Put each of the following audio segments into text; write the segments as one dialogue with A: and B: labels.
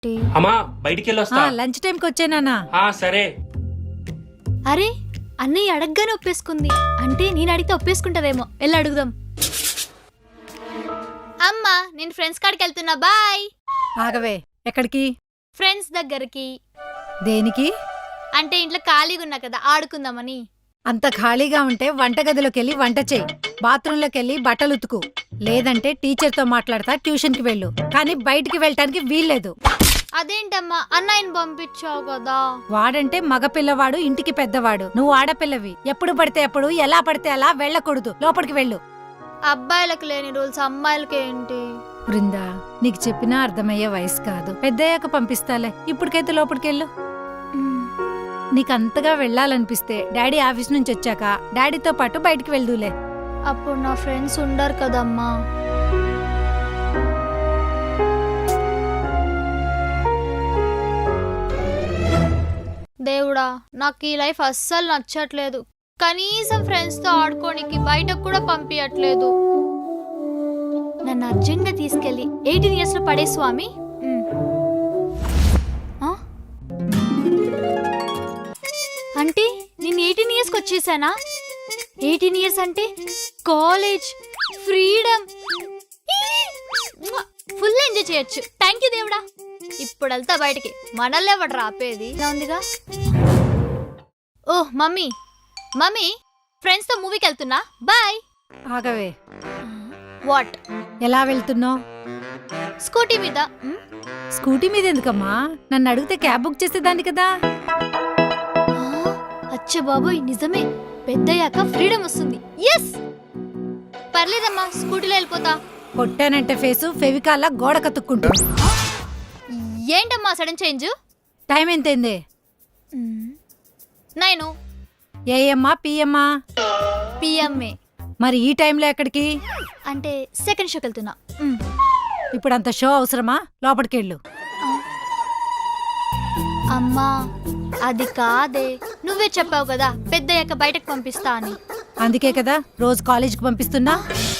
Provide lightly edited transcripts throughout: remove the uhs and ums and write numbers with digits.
A: ఏంటి?
B: అమ్మా బయటికి వెళ్ళొస్తా.
C: లంచ్ టైంకి వచ్చానా?
B: సరే.
A: అరే అన్నయ్య అడగగానే ఒప్పేసుకుంది. అంటే నేను అడిగితే ఒప్పేసుకుంటదేమో. వెళ్ళి అడుగుదాం. అమ్మా నేను ఫ్రెండ్స్ కాడికి వెళ్తున్నా. బాయ్.
C: ఆగవే, ఎక్కడికి?
A: ఫ్రెండ్స్ దగ్గరికి.
C: దేనికి?
A: అంటే ఇంట్లో ఖాళీగా ఉన్నా కదా, ఆడుకుందామని.
C: అంత ఖాళీగా ఉంటే వంటగదిలోకి వెళ్ళి వంట చేయి, బాత్రూంలోకి వెళ్ళి బట్టలు ఉతుకు, లేదంటే టీచర్తో మాట్లాడతా ట్యూషన్కి వెళ్ళు. కానీ బయటికి వెళ్ళటానికి వీల్లేదు.
A: అదేంటమ్మా, అన్నయ్యని పంపించావు కదా.
C: వాడంటే మగపిల్లవాడు, ఇంటికి పెద్దవాడు. నువ్వు ఆడపిల్లవి. ఎప్పుడు పడితే అప్పుడు, ఎలా పడితే అలా వెళ్ళకూడదు. లోపలికి వెళ్ళు.
A: అబ్బాయిలకు లేని రూల్స్ అమ్మాయిలకి ఏంటి?
C: బృందా, నీకు చెప్పినా అర్థమయ్యే వయసు కాదు. పెద్దయ్యాక పంపిస్తాలే. ఇప్పటికైతే లోపలికెళ్ళు. నీకంతగా వెళ్ళాలనిపిస్తే డాడీ ఆఫీస్ నుంచి వచ్చాక డాడీతో పాటు బయటికి వెళ్దూలే.
A: అప్పుడు నా ఫ్రెండ్స్ ఉండరు కదమ్మా. దేవుడా, నాకు ఈ లైఫ్ అస్సలు నచ్చట్లేదు. కనీసం ఫ్రెండ్స్తో ఆడుకోనికి బయటకు కూడా పంపించట్లేదు. నన్ను అర్జెంట్గా తీసుకెళ్ళి 18 years లో పడే స్వామి. అంటే నేను 18 yearsకి వచ్చేసానా? 18 years అంటే కాలేజ్, ఫ్రీడమ్, ఫుల్ ఎంజాయ్ చేయొచ్చు. థ్యాంక్ యూ దేవుడా. ఇప్పుడు వెళ్తా బయటికి. మనల్ని ఎవడు రాపేది? ఇలా ఉందిగా. ఓహ్ మమ్మీ, మమ్మీ ఫ్రెండ్స్తో మూవీకి వెళ్తున్నా. బాయ్.
C: ఆగవే.
A: వాట్?
C: ఎలా వెళ్తున్నావు?
A: స్కూటీ మీద.
C: స్కూటీ మీద ఎందుకమ్మా? నన్ను అడిగితే క్యాబ్ బుక్ చేసేదాన్ని కదా.
A: అచ్చ బాబోయ్, నిజమే. పెద్దయ్యాక ఫ్రీడమ్ వస్తుంది. ఎస్, పర్లేదమ్మా, స్కూటీలో వెళ్ళిపోతా.
C: కొట్టానంటే ఫేసు ఫెవికాల్లా గోడ కతుక్కుంటూ.
A: ఏంటమ్మా సడన్ చేంజ్?
C: టైం ఎంతైంది?
A: 9.
C: ఏఎమ్మా పిఎమ్మా?
A: పిఎంఏ.
C: మరి ఈ టైంలో ఎక్కడికి?
A: అంటే సెకండ్ షోకి వెళ్తున్నా.
C: ఇప్పుడు అంత షో అవసరమా? లోపలికెళ్ళు.
A: అమ్మా అది కాదే, నువ్వే చెప్పావు కదా పెద్దయ్యాక బయటకు పంపిస్తా అని.
C: అందుకే కదా రోజు కాలేజీకి పంపిస్తున్నా.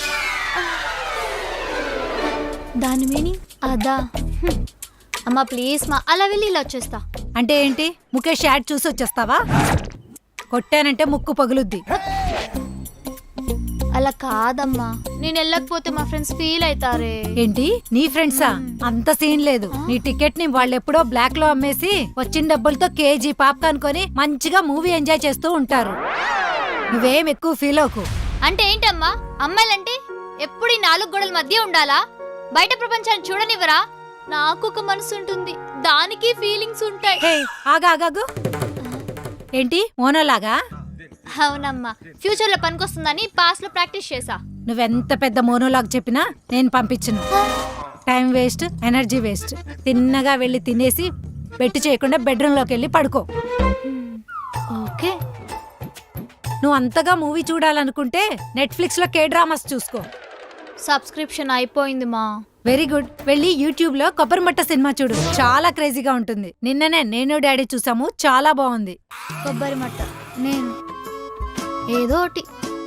A: దాని మీనింగ్ అదా? అమ్మా ప్లీజ్ మా, అలా వెళ్ళి ఇలా వచ్చేస్తా.
C: అంటే ఏంటి? ముఖేష్ యాడ్ చూసి వచ్చేస్తావా? కొట్టానంటే ముక్కు పగులుద్ది.
A: అలా కాదమ్మా, నేను వెళ్ళకపోతే మా ఫ్రెండ్స్ ఫీల్ అవుతారే.
C: ఏంటి నీ ఫ్రెండ్సా? అంత సీన్ లేదు. నీ టికెట్ ని వాళ్ళెప్పుడో బ్లాక్ లో అమ్మేసి వచ్చిన డబ్బులతో కేజీ పాప్కార్న్ కొని మంచిగా మూవీ ఎంజాయ్ చేస్తూ ఉంటారు. నువ్వేం ఎక్కువ ఫీల్ అవ్వకు.
A: అంటే ఏంటమ్మా, అమ్మాయిలంటే ఎప్పుడు ఈ 4 గోడల మధ్య ఉండాలా? బయట ప్రపంచాన్ని చూడనివ్వరా? నాకు ఒక మనసు ఉంటుంది, దానికి ఫీలింగ్స్ ఉంటాయి.
C: ఆగాగాగు. ఏంటి మోనోలాగా?
A: అవునమ్మా, ఫ్యూచర్ లో పనికొస్తుందని పాస్ట్ లో ప్రాక్టీస్ చేసా.
C: నువ్వెంత పెద్ద మోనోలాగ్ చెప్పినా నేను పంపించను. Time waste, energy waste. తిన్నగా వెళ్ళి తినేసి బెట్టు చేయకుండా బెడ్రూమ్ లోకి వెళ్ళి పడుకో.
A: ఓకే.
C: నువ్వు అంతగా మూవీ చూడాలనుకుంటే నెట్ఫ్లిక్స్ లో కే డ్రామాస్ చూసుకో.
A: సబ్స్క్రిప్షన్ అయిపోయింది మా.
C: Very good. వెళ్ళి యూట్యూబ్ లో కొబ్బరిమట్ట సినిమా చూడు, చాలా క్రేజీగా ఉంటుంది. నిన్ననే నేను డాడీ చూసాము, చాలా బాగుంది.
A: కొబ్బరి మట్ట నేను ఏదో ఒకటి.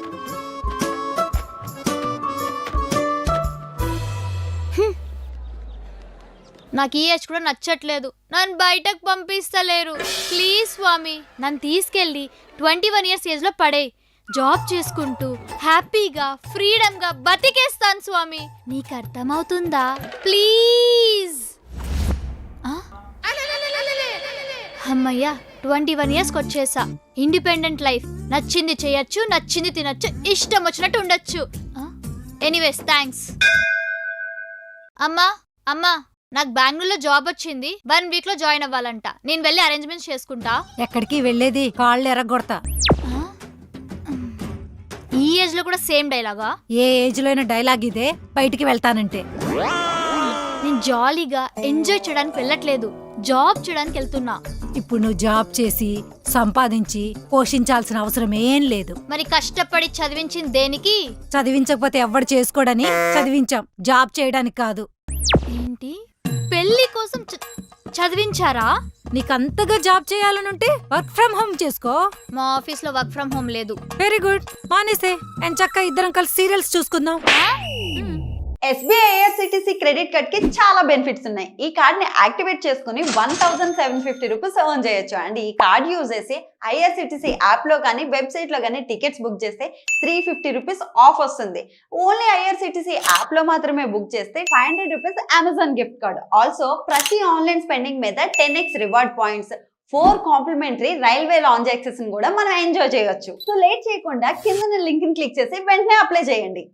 A: నాకు ఈ ఏజ్ కూడా నచ్చట్లేదు. నన్ను బయటకు పంపిస్తలేరు. ప్లీజ్ స్వామి, నన్ను తీసుకెళ్ళి 21 years ఏజ్ లో పడే జాబ్ చేసుకుంటూ హ్యాపీగా ఫ్రీడమ్ గా బతికేస్తాను స్వామి. నీకు అర్థమవుతుందా? ప్లీజ్. అమ్మయ్యా, 21 yearsకి వచ్చేసా. Independent life. నచ్చింది చేయొచ్చు, నచ్చింది తినొచ్చు, ఇష్టం వచ్చినట్టు ఉండొచ్చు. Anyways thanks. అమ్మా అమ్మా, నాకు బెంగళూరులో జాబ్ వచ్చింది. 1 week లో జాయిన్ అవ్వాలంట. నేను వెళ్ళి అరేంజ్మెంట్స్ చేసుకుంటా.
C: ఎక్కడికి వెళ్ళేది? కాళ్ళు ఎరగొడతా.
A: ఈ ఏజ్ లో కూడా సేమ్ డైలాగా?
C: ఏ ఏజ్ లో అయినా డైలాగ్ ఇదే. బయటికి వెళ్తానంటే
A: నేను జాలీగా ఎంజాయ్ చేయడానికి వెళ్ళట్లేదు, జాబ్ చేయడానికి వెళ్తున్నా.
C: ఇప్పుడు నువ్వు జాబ్ చేసి సంపాదించి పోషించాల్సిన అవసరం ఏం లేదు.
A: మరి కష్టపడి చదివించింది దేనికి?
C: చదివించకపోతే ఎవ్వడు చేసుకోడని చదివించాం, జాబ్ చేయడానికి కాదు.
A: ఏంటి, పెళ్లి కోసం చదివించారా?
C: నీకంతగా జాబ్ చేయాలనుంటే వర్క్ ఫ్రమ్ హోమ్ చేసుకో.
A: మా ఆఫీస్ లో వర్క్ ఫ్రమ్ హోమ్ లేదు.
C: వెరీ గుడ్, మానేసే. ఎంచక్క ఇద్దరం కలిసి సీరియల్స్ చూసుకుందాం.
B: SBI IRCTC క్రెడిట్ కార్డ్ కి చాలా బెనిఫిట్స్ ఉన్నాయి. ఈ కార్డ్ ని యాక్టివేట్ చేసుకుని 1750 రూపీస్ ఎర్న్ చేయొచ్చు. అండ్ ఈ కార్డ్ యూజ్ చేసి IRCTC యాప్ లో కానీ వెబ్సైట్ లో కానీ టికెట్స్ బుక్ చేస్తే 350 రూపీస్ ఆఫ్ వస్తుంది. ఓన్లీ IRCTC యాప్ లో మాత్రమే బుక్ చేస్తే 500 rupees Amazon gift card. Also ప్రతి ఆన్లైన్ స్పెండింగ్ మీద 10x reward points, 4 complimentary railway lounge access కూడా మనం ఎంజాయ్ చేయొచ్చు. సో లేట్ చేయకుండా కింద లింక్ ని క్లిక్ చేసి వెంటనే అప్లై చేయండి.